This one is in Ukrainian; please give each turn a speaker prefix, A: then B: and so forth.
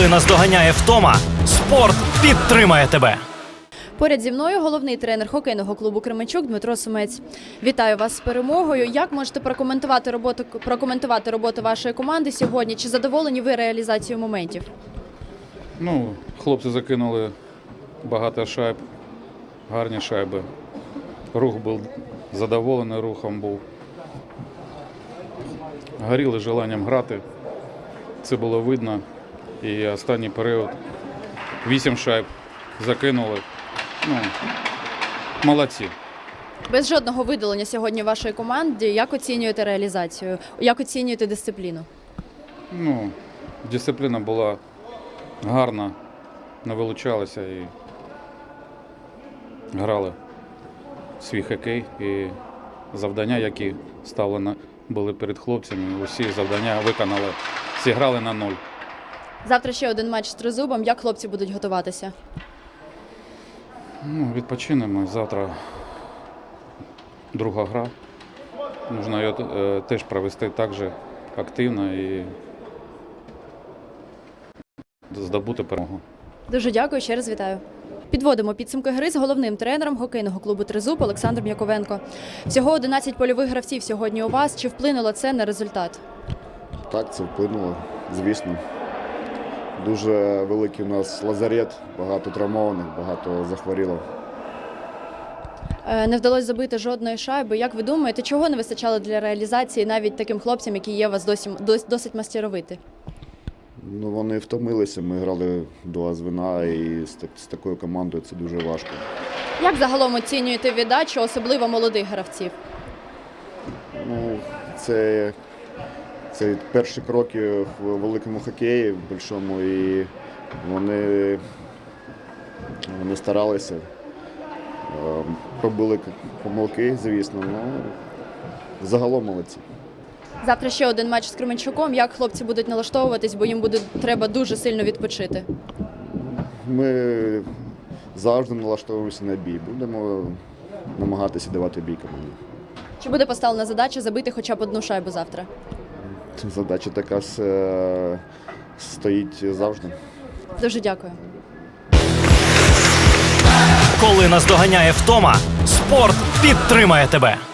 A: Коли наздоганяє втома, спорт підтримає тебе.
B: Поряд зі мною головний тренер хокейного клубу «Кременчук» Дмитро Сумець. Вітаю вас з перемогою. Як можете прокоментувати роботу вашої команди сьогодні? Чи задоволені ви реалізацією моментів?
C: Хлопці закинули багато шайб, гарні шайби. Рух був задоволений, рухом був. Горіли желанням грати. Це було видно. І останній період 8 шайб закинули. Молодці.
B: Без жодного видалення сьогодні вашої команди. Як оцінюєте реалізацію? Як оцінюєте дисципліну?
C: Дисципліна була гарна, не вилучалася і грали свій хокей. І завдання, які ставлені були перед хлопцями, усі завдання виконали, зіграли на 0.
B: Завтра ще один матч з Тризубом. Як хлопці будуть готуватися?
C: Відпочинемо. Завтра друга гра. Можна її теж провести так же активно і здобути перемогу.
B: Дуже дякую, ще раз вітаю. Підводимо підсумки гри з головним тренером хокейного клубу «Тризуб» Олександром Яковенко. Всього 11 польових гравців сьогодні у вас. Чи вплинуло це на результат?
D: Так, це вплинуло, звісно. Дуже великий у нас лазарет, багато травмованих, багато захворіло.
B: Не вдалося забити жодної шайби. Як ви думаєте, чого не вистачало для реалізації навіть таким хлопцям, які є у вас досить мастеровиті?
D: Вони втомилися, ми грали два звена, і з такою командою це дуже важко.
B: Як загалом оцінюєте віддачу, особливо молодих гравців?
D: Це перші кроки в великому хокеї, в більшому, і вони старалися. Пробили помилки, звісно, але загалом молодці.
B: Завтра ще один матч з Кременчуком. Як хлопці будуть налаштовуватись, бо їм треба дуже сильно відпочити?
D: Ми завжди налаштовуємося на бій. Будемо намагатися давати бій команді.
B: Чи буде поставлена задача забити хоча б одну шайбу завтра?
D: Задача така стоїть завжди.
B: Дуже дякую.
A: Коли наздоганяє втома, спорт підтримає тебе.